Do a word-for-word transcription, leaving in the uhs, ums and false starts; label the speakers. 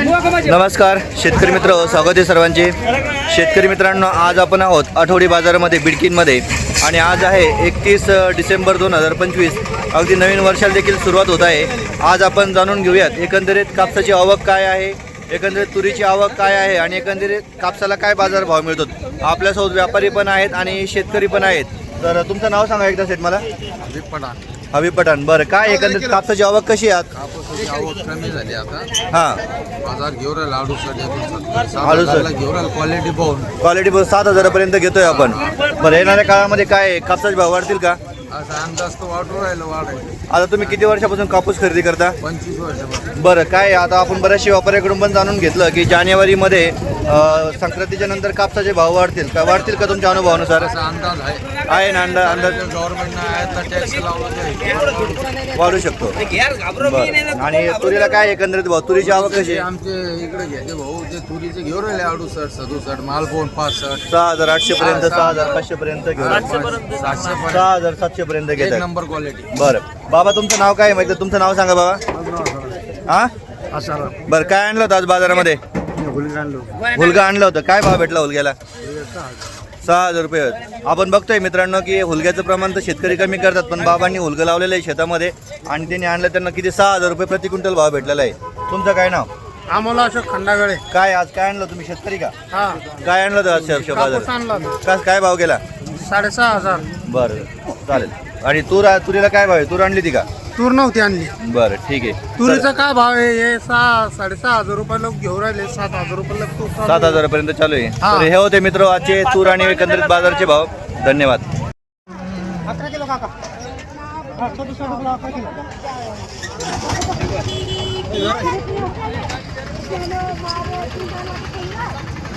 Speaker 1: नमस्कार शेतकरी मित्र, स्वागत आहे सर्वांचे। शेतकरी मित्रांनो, आज आपण आहोत आठवडी बाजारामध्ये बिडकीनमध्ये आणि आज आहे एकतीस डिसेंबर दोन हजार पंचवीस। अगदी नवीन वर्षाला देखील सुरुवात होत आहे। आज आपण जाणून घेऊयात एकंदरीत कापसाची आवक काय आहे, एकंदरीत तुरीची आवक काय आहे आणि एकंदरीत कापसाला काय बाजार भाव मिळतो। आपल्यासोबत व्यापारी पण आहेत आणि शेतकरी पण आहेत। तर तुमचं नाव सांगा एकदा सेट मला।
Speaker 2: हबीब पठाण।
Speaker 1: हबीब पठाण, बरं काय एकंदरीत कापसाची आवक कशी आहे?
Speaker 2: कापसाची आवक कमी झाली आता।
Speaker 1: हां,
Speaker 2: बाजार घेऊन राहिला अडुसष्ट
Speaker 1: आलू सर
Speaker 2: घेऊन राहिला क्वालिटी पाहून।
Speaker 1: क्वालिटी बस सात हजारापर्यंत घेतोय आपण। बरं, येणाऱ्या काळामध्ये काय कापसाचे भाव वाढतील का?
Speaker 2: असा अंदाज तो वाढू राहिला वाढेल।
Speaker 1: आता तुम्ही किती वर्षापासून कापूस खरेदी करता?
Speaker 2: पंचवीस वर्षापासून।
Speaker 1: बरं, काय आता आपण बऱ्याचशा व्यापाऱ्याकडून पण जाणून घेतलं की जानेवारीमध्ये अ, संक्रांतीच्या नंतर कापसाचे भाव वाढतील का? वाढतील का तुमच्या अनुभवानुसार?
Speaker 2: असा अंदाज आहे
Speaker 1: आहे ना अंदाज? अंदाज
Speaker 2: गव्हर्नमेंटनं आहे टॅक्स लावला
Speaker 1: वाढू शकतो। बरं, आणि तुरीला काय एकंदरीत भाव? तुरीची आवक कशी आहे?
Speaker 2: आमचे इकडे घ्यायचे भाऊ ते तुरीचे घेऊन राहिले अडुसष्ट सदुसष्ट माल पोन पासष्ट
Speaker 1: सहा हजार आठशे पर्यंत, सहा हजार पाचशे पर्यंत घेऊन
Speaker 2: सातशे पर्यंत
Speaker 1: सहा हजार सातशे पर्यंत
Speaker 2: एक
Speaker 1: घेतात।
Speaker 2: Number quality.
Speaker 1: बरं बाबा, तुमचं नाव काय आहे माहिती? तुमचं नाव सांगा बाबा। हा, बरं काय आणलं होतं आज बाजारामध्ये? हुलगा आणलं होतं। काय भाव भेटला हुलग्याला? सहा हजार रुपये। आपण बघतोय मित्रांनो की हुलग्याचं प्रमाण तर शेतकरी कमी करतात, पण बाबांनी हुलगं लावलेलं आहे शेतामध्ये आणि त्यांनी आणलं, त्यांना किती सहा हजार रुपये प्रति क्विंटल भाव भेटलेला आहे। तुमचं काय नाव?
Speaker 3: आम्हाला अशोक खंडागळे।
Speaker 1: काय आज काय आणलं तुम्ही? शेतकरी का?
Speaker 3: हा,
Speaker 1: काय आणलं होतं आज शे-
Speaker 3: कापूस
Speaker 1: बाजार?
Speaker 3: आणला होता.
Speaker 1: काय काय भाव गेला?
Speaker 3: साडेसहा हजार।
Speaker 1: बरं चालेल। आणि तूर तुरीला काय भाव आहे? तूर आणली ती का?
Speaker 3: तूर नव्हती आणली।
Speaker 1: बरं ठीक आहे।
Speaker 3: तुरीचा काय भाव आहे? हे सहा साडेसहा हजार रुपये लोक घेऊन राहिले, सात हजार रुपये लोक तूर चालू
Speaker 1: सात
Speaker 3: आहे.
Speaker 1: हजारापर्यंत चालू आहे।
Speaker 3: हा.
Speaker 1: तर हे होते मित्र आजचे तूर आणि एकंदरीत बाजारचे भाव। धन्यवाद।
Speaker 3: अकरा किलो काका। हा, सदुसष्ट रुपये अकरा किलो।